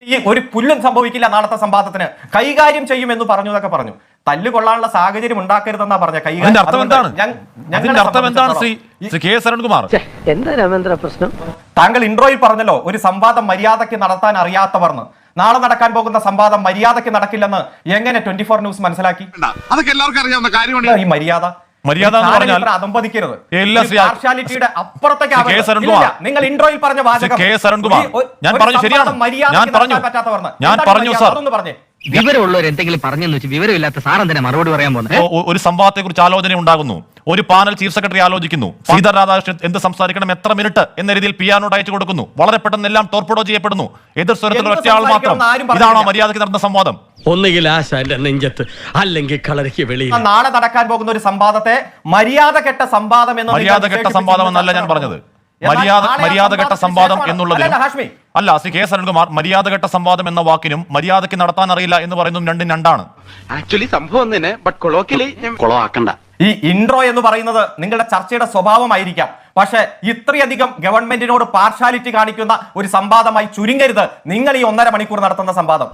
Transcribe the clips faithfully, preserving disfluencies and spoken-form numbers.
ഈ ഒരു പുല്ലും സംഭവിക്കില്ല നാളത്തെ സംവാദത്തിന്, കൈകാര്യം ചെയ്യുമെന്ന് പറഞ്ഞു എന്നൊക്കെ പറഞ്ഞു. തല്ലുകൊള്ളാനുള്ള സാഹചര്യം ഉണ്ടാക്കരുതെന്നാ പറഞ്ഞ കൈകാര്യം. താങ്കൾ ഇൻട്രോയിൽ പറഞ്ഞല്ലോ ഒരു സംവാദം മര്യാദയ്ക്ക് നടത്താൻ അറിയാത്തവർന്ന്. നാളെ നടക്കാൻ പോകുന്ന സംവാദം മര്യാദയ്ക്ക് നടക്കില്ലെന്ന് എങ്ങനെ ട്വന്റി ഫോർ ന്യൂസ് മനസ്സിലാക്കി? അതൊക്കെ എല്ലാവർക്കും അറിയാവുന്ന കാര്യമാണ്. ഈ മര്യാദ മര്യാദ എന്ന് പറഞ്ഞാൽ അതമ്പതിക്കരുത്. അപ്പുറത്തേക്ക് നിങ്ങൾ ഇൻട്രോയിൽ പറഞ്ഞ വാചകം ഞാൻ പറഞ്ഞു ശരിയാണ്. ഞാൻ പറഞ്ഞു ഞാൻ പറഞ്ഞു സാർ പറഞ്ഞേ വിവരമുള്ളവർ എന്തെങ്കിലും പറഞ്ഞെന്ന് വെച്ച് വിവരമില്ലാത്ത സാറൻ തന്നെ മറുപടി പറയാൻ പോകുന്നത്. ഒരു സംവാദത്തെ കുറിച്ച് ആലോചന ഉണ്ടാകുന്നു, ഒരു പാനൽ ചീഫ് സെക്രട്ടറി ആലോചിക്കുന്നു, സീതാ രാധാകൃഷ്ണൻ എന്ത് സംസാരിക്കണം, എത്ര മിനിറ്റ് എന്ന രീതിയിൽ പിയാനോട്ട് അയച്ചു കൊടുക്കുന്നു. വളരെ പെട്ടെന്ന് എല്ലാം ടോർപ്പിഡോ ചെയ്യപ്പെടുന്നു. എതിർ സ്വരത്തിൽ ഒറ്റയാൾ മാത്രം. ഇതാണോ മര്യാദയ്ക്ക് നടന്ന സംവാദം? ഒന്നുകിൽ ആശാന്റെ നെഞ്ചത്ത്, അല്ലെങ്കിൽ കളരിക്ക് വെളിയിൽ. നാളെ നടക്കാൻ പോകുന്ന ഒരു സംവാദത്തെ മര്യാദ കെട്ട സംവാദം എന്ന് മര്യാദ കെട്ട സംവാദം എന്നല്ല ഞാൻ പറഞ്ഞത്. മര്യാദ മര്യാദഘട്ട സംവാദം എന്നുള്ളതിനും അല്ല ശ്രീ കെ സരൺകുമാർ, മര്യാദഘട്ട സംവാദം എന്ന വാക്കിനും മര്യാദയ്ക്ക് നടത്താൻ അറിയില്ല എന്ന് പറയുന്നതും രണ്ടും രണ്ടാണ്. ആക്ച്വലി സംഭവം തന്നെ, ബട്ട് കൊളോക്കിയലി കൊളവാക്കണ്ട. ഈ ഇൻട്രോ എന്ന് പറയുന്നത് നിങ്ങളുടെ ചർച്ചയുടെ സ്വഭാവമായിരിക്കാം, പക്ഷെ ഇത്രയധികം ഗവൺമെന്റിനോട് പാർഷ്യാലിറ്റി കാണിക്കുന്ന ഒരു സംവാദമായി ചുരുങ്ങരുത് നിങ്ങൾ ഈ ഒന്നര മണിക്കൂർ നടത്തുന്ന സംവാദം.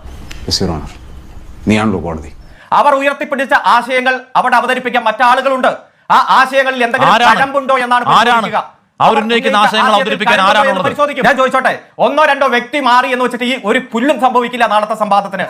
അവർ ഉയർത്തിപ്പിടിച്ച ആശയങ്ങൾ അവിടെ അവതരിപ്പിക്കാൻ മറ്റാളുകളുണ്ട്. ആ ആശയങ്ങളിൽ എന്തെങ്കിലും കഴമ്പുണ്ടോ എന്നാണ് പരിശോധിക്കുക. ഞാൻ ചോദിച്ചോട്ടെ, ഒന്നോ രണ്ടോ വ്യക്തി മാറി എന്ന് വെച്ചിട്ട് ഈ ഒരു പുല്ലും സംഭവിക്കില്ല നാളത്തെ സംവാദത്തിന്.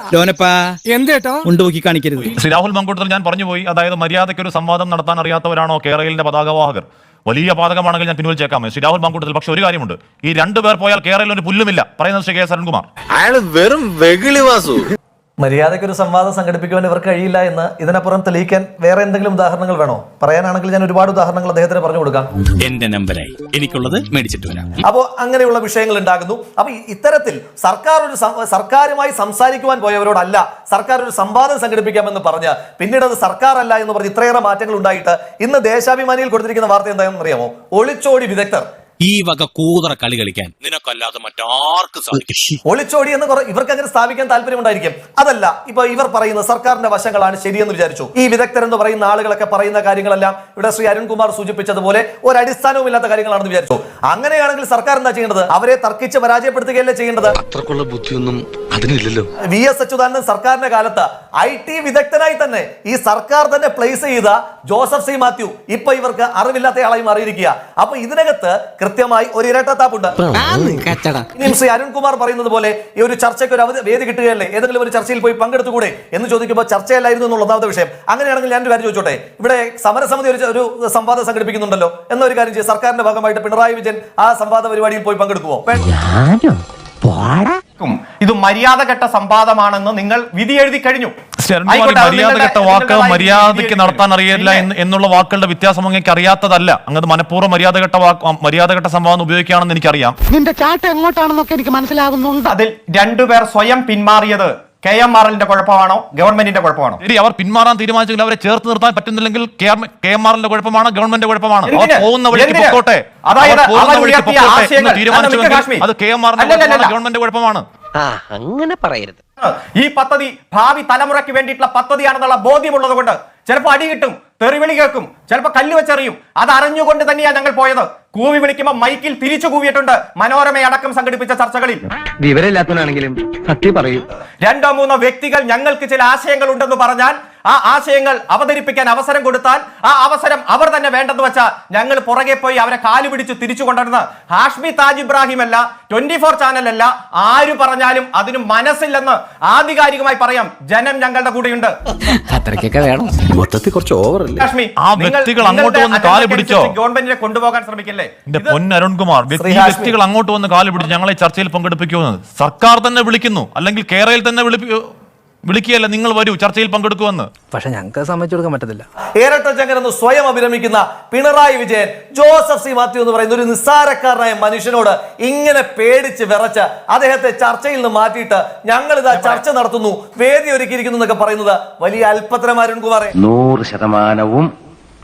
ശ്രീ രാഹുൽ മങ്കൂട്ടത്തിൽ ഞാൻ പറഞ്ഞു പോയി, അതായത് മര്യാദയ്ക്ക് ഒരു സംവാദം നടത്താൻ അറിയാത്തവരാണോ കേരളത്തിന്റെ പതാകവാഹകർ? വലിയ പാതകമാണെങ്കിൽ ഞാൻ പിൻവലിച്ചേക്കാം ശ്രീ രാഹുൽ മങ്കൂട്ടത്തിൽ. പക്ഷെ ഒരു കാര്യമുണ്ട്, ഈ രണ്ടുപേർ പോയാൽ കേരളത്തിൽ ഒരു പുല്ലുമില്ല പറയുന്നത് ശ്രീ കെ സരൺകുമാർ. അയാൾ വെറും വെകിളി വാസു. മര്യാദയ്ക്ക് ഒരു സംവാദം സംഘടിപ്പിക്കുവാൻ ഇവർക്ക് കഴിയില്ല എന്ന് ഇതിനപ്പുറം തെളിയിക്കാൻ വേറെ എന്തെങ്കിലും ഉദാഹരണങ്ങൾ വേണോ? പറയാനാണെങ്കിൽ ഞാൻ ഒരുപാട് ഉദാഹരണങ്ങൾ അദ്ദേഹത്തിന് പറഞ്ഞു കൊടുക്കാം. എന്റെ നമ്പരായി എനിക്കുള്ളത് മേടിച്ചിട്ട് വരാം. അപ്പോൾ അങ്ങനെയുള്ള വിഷയങ്ങൾ ഉണ്ടാകുന്നു. അപ്പൊ ഇത്തരത്തിൽ സർക്കാർ ഒരു സർക്കാരുമായി സംസാരിക്കുവാൻ പോയവരോടല്ല സർക്കാർ ഒരു സംവാദം സംഘടിപ്പിക്കാമെന്ന് പറഞ്ഞ് പിന്നീട് അത് സർക്കാർ അല്ല എന്ന് പറഞ്ഞ് ഇത്രയേറെ മാറ്റങ്ങൾ ഉണ്ടായിട്ട് ഇന്ന് ദേശാഭിമാനിയിൽ കൊടുത്തിരിക്കുന്ന വാർത്ത എന്താണെന്ന് അറിയാമോ? ഒളിച്ചോടി വിദഗ്ധർ. ഈ വക കൂതറ കളി കളിക്കാൻ നിനക്കല്ലാതെ മറ്റാർക്കും സാധിക്കും. ഒളിച്ചോടി എന്ന് ഇവർക്ക് അങ്ങനെ സ്ഥാപിക്കാൻ താല്പര്യമുണ്ടായിരിക്കും. അതല്ല, ഇപ്പൊ ഇവർ പറയുന്ന സർക്കാരിന്റെ വശങ്ങളാണ് ശരിയെന്ന് വിചാരിച്ചു. ഈ വിദഗ്ധർ എന്ന് പറയുന്ന ആളുകളൊക്കെ പറയുന്ന കാര്യങ്ങളെല്ലാം ഇവിടെ ശ്രീ അരുൺകുമാർ സൂചിപ്പിച്ചതുപോലെ ഒരു അടിസ്ഥാനവുമില്ലാത്ത കാര്യങ്ങളാണെന്ന് വിചാരിച്ചു. അങ്ങനെയാണെങ്കിൽ സർക്കാർ എന്താ ചെയ്യേണ്ടത്? അവരെ തർക്കിച്ച് പരാജയപ്പെടുത്തുകയല്ലേ ചെയ്യേണ്ടത്? അത്രക്കുള്ള ബുദ്ധിയൊന്നും അതിനില്ലല്ലോ. വി എസ് അച്യുതാനന്ദൻ സർക്കാരിന്റെ കാലത്ത് ഐ ടി വിദഗ്ധനായി തന്നെ ഈ സർക്കാർ തന്നെ പ്ലേസ് ചെയ്ത ജോസഫ് സി മാത്യു ഇപ്പൊ ഇവർക്ക് അറിവില്ലാത്തയാളായി മാറിയിരിക്കുക. അപ്പൊ ഇതിനകത്ത് കൃത്യമായി ഒരു ഇരട്ടത്താപ്പുണ്ട്. ഇനിയും ശ്രീ അരുൺകുമാർ പറയുന്നത് പോലെ ഈ ഒരു ചർച്ചയ്ക്ക് ഒരു അവധി വേദി കിട്ടുകയല്ലേ, ഏതെങ്കിലും ഒരു ചർച്ചയിൽ പോയി പങ്കെടുത്തുകൂടെ എന്ന് ചോദിക്കുമ്പോൾ ചർച്ചയല്ലായിരുന്നു എന്നുള്ള ഒന്നാമത്തെ വിഷയം. അങ്ങനെയാണെങ്കിൽ ഞാൻ ഒരു കാര്യം ചോദിച്ചോട്ടെ, ഇവിടെ സമരസമിതി ഒരു ഒരു സംവാദം സംഘടിപ്പിക്കുന്നുണ്ടല്ലോ, എന്നൊരു കാര്യം ചെയ്യും. സർക്കാരിന്റെ ഭാഗമായിട്ട് പിണറായി വിജയൻ ആ സംവാദ പരിപാടിയിൽ പോയി പങ്കെടുക്കുമോ? ഇത് മര്യാദഘട്ട സംവാദമാണെന്ന് നിങ്ങൾ വിധി എഴുതി കഴിഞ്ഞു. മര്യാദഘട്ട വാക്ക് മര്യാദയ്ക്ക് നടത്താൻ അറിയില്ല എന്നുള്ള വാക്കുകളുടെ വ്യത്യാസം അങ്ങേക്ക് അറിയാത്തതല്ല. അങ്ങനെ മനഃപൂർവ്വം മര്യാദഘട്ട വാക്ക് മര്യാദഘട്ട സംവാദം ഉപയോഗിക്കുകയാണെന്ന് എനിക്കറിയാം. നിന്റെ ചാട്ട എങ്ങോട്ടാണെന്നൊക്കെ എനിക്ക് മനസ്സിലാകുന്നുണ്ട്. അതിൽ രണ്ടുപേർ സ്വയം പിന്മാറിയത് കെ എം ആർ എല്ലിന്റെ കുഴപ്പമാണോ ഗവൺമെന്റിന്റെ കുഴപ്പമാണോ? ശരി, അവർ പിന്മാറാൻ തീരുമാനിച്ചെങ്കിൽ അവരെ ചേർത്ത് നിർത്താൻ പറ്റുന്നില്ലെങ്കിൽ കെ എം ആർ എല്ലിന്റെ കുഴപ്പമാണോ ഗവൺമെന്റിന്റെ കുഴപ്പമാണോ? അവർ പോകുന്ന വഴിക്ക് പൊക്കോട്ടെ, തീരുമാനിച്ചുവെങ്കിൽ അത് കെ എം ആർ ഗവൺമെന്റിന്റെ കുഴപ്പമാണ്. അങ്ങനെ പറയരുത്. ഈ പദ്ധതി ഭാവി തലമുറയ്ക്ക് വേണ്ടിയിട്ടുള്ള പദ്ധതിയാണെന്നുള്ള ബോധ്യമുള്ളത് കൊണ്ട് ചിലപ്പോൾ അടി കിട്ടും, തെറിവിളി കേൾക്കും, ചിലപ്പോൾ കല്ല് വെച്ചെറിയും. അത് അറിഞ്ഞുകൊണ്ട് തന്നെയാണ് ഞങ്ങൾ പോയത്. കൂവി വിളിക്കുമ്പോൾ മൈക്കിൽ തിരിച്ചു കൂവിയിട്ടുണ്ട് മനോരമയടക്കം സംഘടിപ്പിച്ച ചർച്ചകളിൽ. വിവരമില്ലാത്തവനാണെങ്കിലും സത്യം പറയൂ. രണ്ടോ മൂന്നോ വ്യക്തികൾ ഞങ്ങൾക്ക് ചില ആശയങ്ങൾ ഉണ്ടെന്ന് പറഞ്ഞാൽ ആ ആശയങ്ങൾ അവതരിപ്പിക്കാൻ അവസരം കൊടുത്താൽ ആ അവസരം അവർ തന്നെ വേണ്ടെന്ന് വെച്ചാൽ ഞങ്ങൾ പുറകെ പോയി അവരെ കാലു പിടിച്ച് തിരിച്ചു കൊണ്ടുവരുന്നത് ഹാഷ്മി താജ് ഇബ്രാഹിം അല്ല, ട്വന്റി ഫോർ ചാനലല്ല, ആര് പറഞ്ഞാലും അതിന് മനസ്സില്ലെന്ന് ആധികാരികമായി പറയാം. ജനം ഞങ്ങളുടെ കൂടെയുണ്ട്. മൊത്തത്തിൽ കുറച്ച് ഓവർ അല്ലേ ഹാഷ്മി? ആ വ്യക്തികൾ അങ്ങോട്ട് വന്ന് കാല് പിടിച്ചോ? ഗവൺമെന്റിനെ കൊണ്ടുപോകാൻ ശ്രമിക്കില്ലേ? പൊന്ന് അരുൺകുമാർ, വ്യക്തികൾ അങ്ങോട്ട് വന്ന് കാല് പിടിച്ച് ഞങ്ങളെ ചർച്ചയിൽ പങ്കെടുപ്പിക്കുമെന്ന് സർക്കാർ തന്നെ വിളിക്കുന്നു, അല്ലെങ്കിൽ കേരളയിൽ തന്നെ വിളിപ്പിക്കൂ വിളിക്കുകയല്ല, നിങ്ങൾ വരൂ ചർച്ചയിൽ പങ്കെടുക്കുമെന്ന്. പക്ഷെ ഞങ്ങൾക്ക് സമ്മതിച്ചു കൊടുക്കാൻ പറ്റത്തില്ല. ഇരട്ടച്ചങ്കരെന്ന് സ്വയം അഭിരമിക്കുന്ന പിണറായി വിജയൻ ജോസഫ് സി മാത്യു എന്ന് പറയുന്ന ഒരു നിസ്സാരക്കാരനായ മനുഷ്യനോട് ഇങ്ങനെ പേടിച്ച് വിറച്ച് അദ്ദേഹത്തെ ചർച്ചയിൽ നിന്ന് മാറ്റിയിട്ട് ഞങ്ങൾ ഇതാ ചർച്ച നടത്തുന്നു, വേദി ഒരുക്കിയിരിക്കുന്നു എന്നൊക്കെ പറയുന്നത് വലിയ അല്പത്തരമാരുൺ കുമാറെ. നൂറ് ശതമാനവും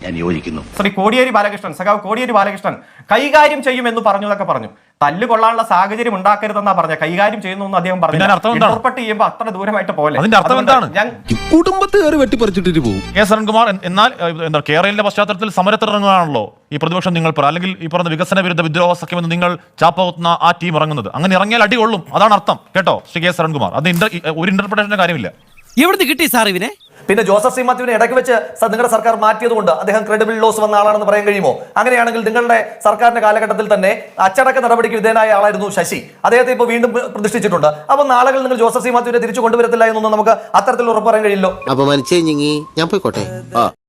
ഞാൻ യോജിക്കുന്നു. ശ്രീ കോടിയേരി ബാലകൃഷ്ണൻ, സഖാവ് കോടിയേരി ബാലകൃഷ്ണൻ കൈകാര്യം ചെയ്യുമെന്ന് പറഞ്ഞു എന്നൊക്കെ പറഞ്ഞു. തല്ല് കൊള്ളാനുള്ള സാഹചര്യം ഉണ്ടാക്കരുതെന്നാ പറഞ്ഞ, കൈകാര്യം ചെയ്യുന്നു അദ്ദേഹം പറഞ്ഞു. ഇന്റർപ്രറ്റ് ചെയ്യുമ്പോൾ അത്ര ദൂരമായിട്ട് പോലെ അതിന്റെ അർത്ഥം എന്താണ്? ഞാൻ കുടുംബത്തെ കയറി വെട്ടിപ്പറിച്ചിട്ട് പോകും. കെ സരൺകുമാർ, എന്നാൽ എന്താ കേരളയിലെ പശ്ചാത്തലത്തിൽ സമരത്തിനിറങ്ങുകയാണല്ലോ ഈ പ്രതിപക്ഷം നിങ്ങൾ പറ, അല്ലെങ്കിൽ ഈ പറഞ്ഞ വികസന വിരുദ്ധ വിദ്രോഹ സഖ്യമെന്ന് നിങ്ങൾ ചാപ്പകുത്തുന്ന ആ ടീം ഇറങ്ങുന്നത്. അങ്ങനെ ഇറങ്ങിയാൽ അടി കൊള്ളും, അതാണ് അർത്ഥം കേട്ടോ ശ്രീ കെ സരൺകുമാർ. അത് ഒരു ഇന്റർപ്രിട്ടേഷന്റെ കാര്യമില്ല. എവിടുന്ന് കിട്ടി സാർ ഇവനെ? പിന്നെ ജോസഫ് സി മാത്യുവിനെ ഇടയ്ക്ക് വെച്ച് സ- നിങ്ങളുടെ സർക്കാർ മാറ്റിയതുകൊണ്ട് അദ്ദേഹം ക്രെഡിബിൾ ലോസ് വന്ന ആളാണെന്ന് പറയാൻ കഴിയുമോ? അങ്ങനെയാണെങ്കിൽ നിങ്ങളുടെ സർക്കാരിന്റെ കാലഘട്ടത്തിൽ തന്നെ അച്ചടക്ക നടപടിക്ക് വിധേയനായ ആളായിരുന്നു ശശി. അദ്ദേഹത്തെ ഇപ്പോൾ വീണ്ടും പ്ര- പ്രതിഷ്ഠിച്ചിട്ടുണ്ട്. അപ്പോൾ നാളുകൾ നിങ്ങൾ ജോസഫ് സി മാത്യുവിനെ തിരിച്ചു കൊണ്ടുവരത്തില്ല എന്നൊന്നും നമുക്ക് അത്തരത്തിൽ ഉറപ്പ് പറയാൻ കഴിയില്ലോ. അപമാനിച്ചേ ഞാൻ പോയിക്കോട്ടെ.